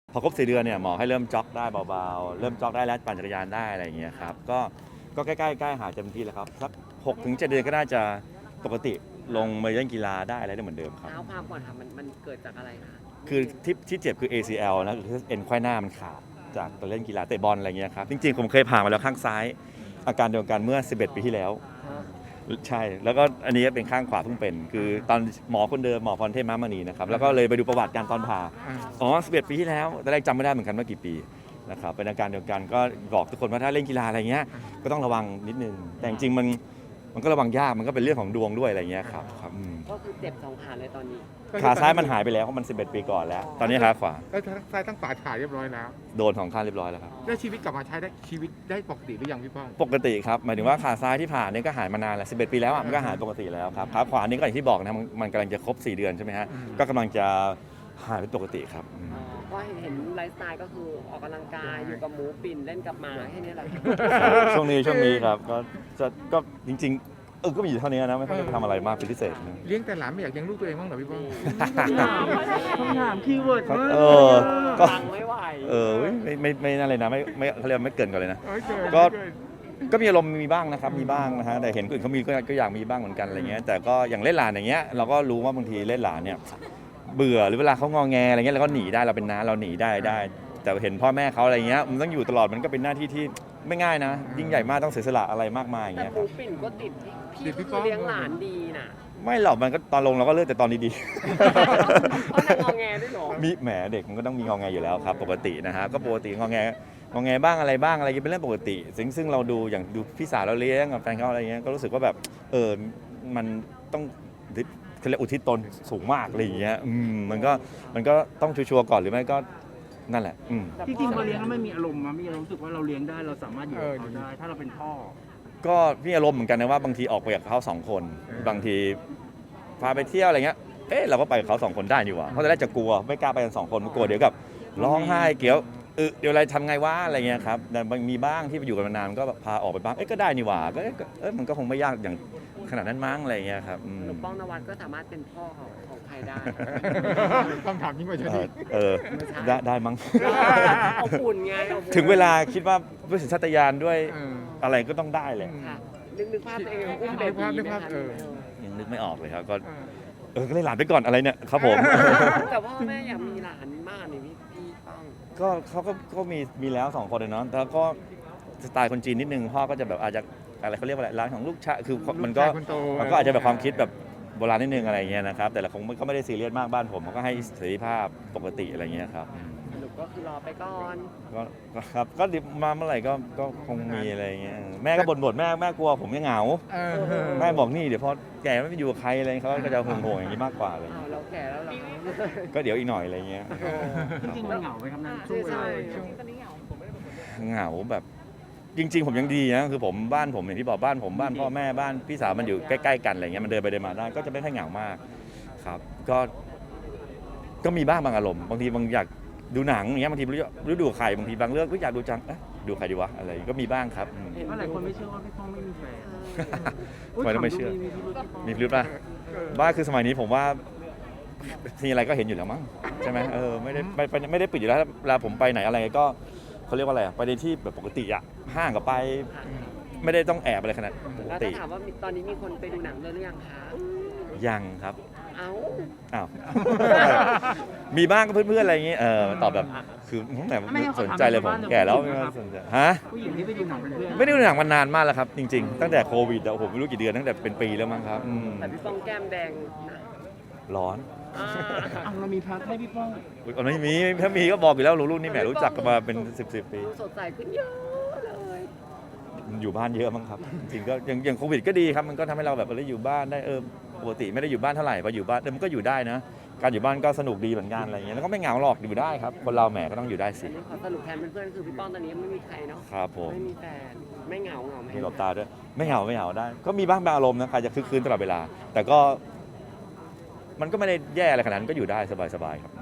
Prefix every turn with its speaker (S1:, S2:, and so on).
S1: พอครบ4 เดือนเนี่ยหมอให้เริ่มจ็อกได้เบาๆเริ่มจ็อกได้แล้วปั่นจักรยานได้อะไรอย่างเงี้ยครับก็ใกล้ๆหาเต็มที่แล้วครับสัก6 ถึง 7 เดือนก็น่าจะปกติลงมาเล่นกีฬาได้อะไรได้เหมือนเดิมครับ
S2: เท้าความก่อนค่ะมันเกิดจากอะไรคะ
S1: คือที่เจ็บคือ ACL นะคือเอ็นไขว้หน้ามันขาดจากตอนเล่นกีฬาเตะบอลอะไรเงี้ยครับจริงๆผมเคยผ่ามาแล้วข้างซ้ายอาการเดียวกันเมื่อ11 ปีที่แล้วใช่แล้วก็อันนี้เป็นข้างขวาเพิ่งเป็นคือตอนหมอคนเดิมหมอพรเทพม้ามณีนะครับแล้วก็เลยไปดูประวัติการตอนผ่า11 ปีที่แล้วแต่แรกจำไม่ได้เหมือนกันว่ากี่ปีนะครับเป็นอาการเดียวกันก็บอกทุกคนว่าถ้าเล่นกีฬาอะไรเงี้ยก็ต้องระวังนิดนึงแต่จริงๆมันก็ระวังยากมันก็เป็นเรื่องของดวงด้วยอะไรเงี้ยครับ
S2: ก็คือเจ็บ2 ขาเลยตอนนี้
S1: ขาซ้ายมันหายไปแล้วเพราะมัน11 ปีก่อนแล้วตอนนี้ขาขวา
S3: ก็ทั้งซ้ายทั้งขวาถ่ายเรียบร้อยแล้ว
S1: โดน2 ข้างเรียบร้อยแล้วครับ
S3: แล้วชีวิตกลับมาใช้ได้ชีวิตได้ปกติหรือยังพี่ป้อง
S1: ปกติครับหมายถึงว่าขาซ้ายที่ผ่านเนี่ยก็หายมานานแล้ว11 ปีแล้วมันก็หายปกติแล้วครับขาขวานี่ก็อย่างที่บอกนะมันกำลังจะครบ4 เดือนใช่ไหมฮะก็กำลังจะหายเป็นปกติครับ
S2: ก็เห็นไลฟ์สไตล์ก็คือออกกำลังกายอยู่กับหมูปิ่นเล่นกับหมาแค่นี้แหละ
S1: ช่วงนี้ครับก็จริงๆก็มีอยู่เท่านี้นะไม่ต้องทำอะไรมากเป็นพิเศษ
S3: เลี้ยงแต่หลานไม่อยากเลี้ยงลูกตัวเองบ้างเหรอพี่ป้อง
S4: คำถามคีย์เวิร์ดมาก
S1: ก็
S2: ไม่ไหว
S1: ไม่นั่นเลยนะไม่เขาเรียกไม่เกินกันเลยนะก็มีอารมณ์มีบ้างนะครับมีบ้างนะฮะแต่เห็นคนอื่นเขามีก็อยากมีบ้างเหมือนกันอะไรเงี้ยแต่ก็อย่างเล่นหลานอย่างเงี้ยเราก็รู้ว่าบางทีเล่นหลานเนี่ยเบื่อหรือเวลาเขางอแงอะไรเงี้ยเราก็หนีได้เราเป็นน้าเราหนีได้แต่เห็นพ่อแม่เขาอะไรเงี้ยมันต้องอยู่ตลอดมันก็เป็นหน้าที่ที่ไม่ง่ายนะยิ่งใหญ่มากต้องเสียสละอะไรมากมายอย่างเงี้ย
S2: แต่หมูปิ่นก็ติดพี่คือเลี้ยงหลานดีน่ะ
S1: ไม่หรอกมันก็ตอนลงเราก็เลิกแต่ตอนดี
S2: ๆเขาจะงอแงด้วยหรอ
S1: มีแหมเด็กมันก็ต้องมีงอแงอยู่แล้วครับปกตินะฮะก็ปกติงอแงบ้างอะไรเป็นเรื่องปกติซึ่งเราดูอย่างดูพี่สาวเราเลี้ยงกับแฟนเขาอะไรเงี้ยก็รู้สึกว่าแบบมันต้องเขาเรียกอุทิศตนสูงมากอะไรอย่างเงี้ยมันก็ต้องชัวร์ก่อนหรือไม่ก็นั่นแหละ
S4: จริงๆพอเลี้ยงแล้วไม่มีอารมณ์มั้ยมีรู้สึกว่าเราเลี้ยงได้เราสามารถอยู่กับเขาได้ถ้าเราเป็นพ่อ
S1: ก็มีอารมณ์เหมือนกันนะว่าบางทีออกไปกับเขา2 คนบางทีพาไปเที่ยวอะไรเงี้ยเราก็ไปกับเขา2 คนได้นี่หว่าเพราะตอนแรกจะกลัวไม่กล้าไปกัน2 คนกลัวเดี๋ยวกับร้องไห้เดี๋ยวอะไรทำไงวะอะไรเงี้ยครับแต่มีบ้างที่ไปอยู่กันมานานก็พาออกไปบ้างก็ได้นี่หว่าก็มันก็คงไม่ยากอย่างขนาดนั้นมั้งอะไรเงี้ยครับ
S2: ป้องนวัดก็สามารถเป็นพ่อของใครได้
S3: คำถามยิ่งกว่าจะดี
S1: ได้มั้ง
S2: เอาอุ่นไง
S1: ถึงเวลาคิดว่าด้วยสัญชาตญาณด้วยอะไรก็ต้องได้แหละ
S2: นึกภาพเองอุ้มเบบี
S1: ยังนึกไม่ออกเลยครับก็เลยหลานไปก่อนอะไรเนี่ยครับผม
S2: แต่พ่อแม่อยากมีหลานมากนี่พี่ป้อง
S1: ก็เขาก็มีแล้ว2 คนเลยเนาะแล้วก็สไตล์คนจีนนิดนึงพ่อก็จะแบบอาจจะอะไรเขาเรียกว่าอะไรร้านของลูกชายคือมันก็อาจจะแบบความคิดแบบโบราณนิดนึงอะไรเงี้ยนะครับแต่ละคงก็ไม่ได้ซีเรียสมากบ้านผมก็ให้เสรีภาพปกติอะไรเงี้ยครับ
S2: สรุปก็คือรอไปก่อน
S1: ก็ครับก็มาเมื่อไหร่ก็คงมีอะไรเงี้ยแม่ก็บ่นแม่กลัวผมจะเหงาแม่บอกนี่เดี๋ยวพอแก่ไม่อยู่กับใครอะไรเขาก็จะห่วงอย่างนี้มากกว่าเลย
S2: เราแก่แล้วหรอ
S1: ก็เดี๋ยวอีกหน่อยอะไรเงี้ย
S4: จริงๆมันเหงาไหมครับนั่นช่วงเวลา
S1: เหงาแบบจริงๆผมยังดีนะคือผมบ้านผมอย่างที่บอกบ้านผมบ้านพ่อแม่บ้านพี่สาวมันอยู่ใกล้ๆกันอะไรเงี้ยมันเดินไปเดินมาได้ก็จะไม่ค่อยเหงามากครับก็มีบ้างบางอารมณ์บางทีบางอยากดูหนังอย่างเงี้ยบางทีไม่รู้ดูใครบางทีบางเรื่องก็อยากดูจังดูใครดีวะอะไรก็มีบ้างครับ
S4: เพราะหลายคนไม่เชื่อว่าพี่ป้องไม่มีแฟน
S1: ทำไมต้องไม่เชื่อมีพิรุธป่ะบ้าคือสมัยนี้ผมว่าทีอะไรก็เห็นอยู่แล้วมั้งใช่ไหมไม่ได้ปิดอยู่แล้วเวลาผมไปไหนอะไรก็เขาเรียกว่าอะไรไปในที่แบบปกติอะห้างก็ไปไม่ได้ต้องแอบอะไรขนาดปกติ
S2: แล้วถามว่าตอนนี้มีคนไปดูหนังเลยหรือยังคะ
S1: ยังครับ
S2: อ้าว
S1: มีบ้างก็เพื่อนๆอะไรอย่างงี้ตอบแบบคือแต่ไม่สนใจเลยผมแก่แล้วไม่สนใจฮะ
S4: ผู้หญิงที่ไปดูหนังเป็นเพื่อน
S1: ไม่ได้ดูหนังมานานมากแล้วครับจริงๆตั้งแต่โควิดโอ้โหไม่รู้กี่เดือนตั้งแต่เป็นปีแล้วมั้งครับ
S2: แต่พี่ป้องแก้มแดง
S1: ร้อน
S4: เรามีพักให้พี่ป้อง
S1: ไม่มีถ้ามีก็บอกอยู่แล้วรุ่นนี้แหมรู้จักกันมาเป็น10 ปี
S2: สดใสขึ้นเยอะเลย
S1: อยู่บ้านเยอะมั้งครับจริงก็อย่างโควิดก็ดีครับมันก็ทำให้เราแบบได้อยู่บ้านได้ปกติไม่ได้อยู่บ้านเท่าไหร่พออยู่บ้านมันก็อยู่ได้นะการอยู่บ้านก็สนุกดีเหมือนกันอะไรเงี้ยแล้วก็ไม่เหงาหรอกอยู่ได้ครับคนเราแหมก็ต้องอยู่ได้สิ
S2: ขอสรุปแทนเพื่อนๆคือพี่ป้องตอนนี้ไม่มีใครเนาะ
S1: ครับผม
S2: ไม่มีแฟนไม่เหงาไหม
S1: มีหลบตาด้วยไม่เหงาได้ก็มีบ้างบางอารมณ์นะใครจะคึกคืนตลอดเวลาแต่ก็มันก็ไม่ได้แย่อะไรขนาดนั้นก็อยู่ได้สบายๆครับ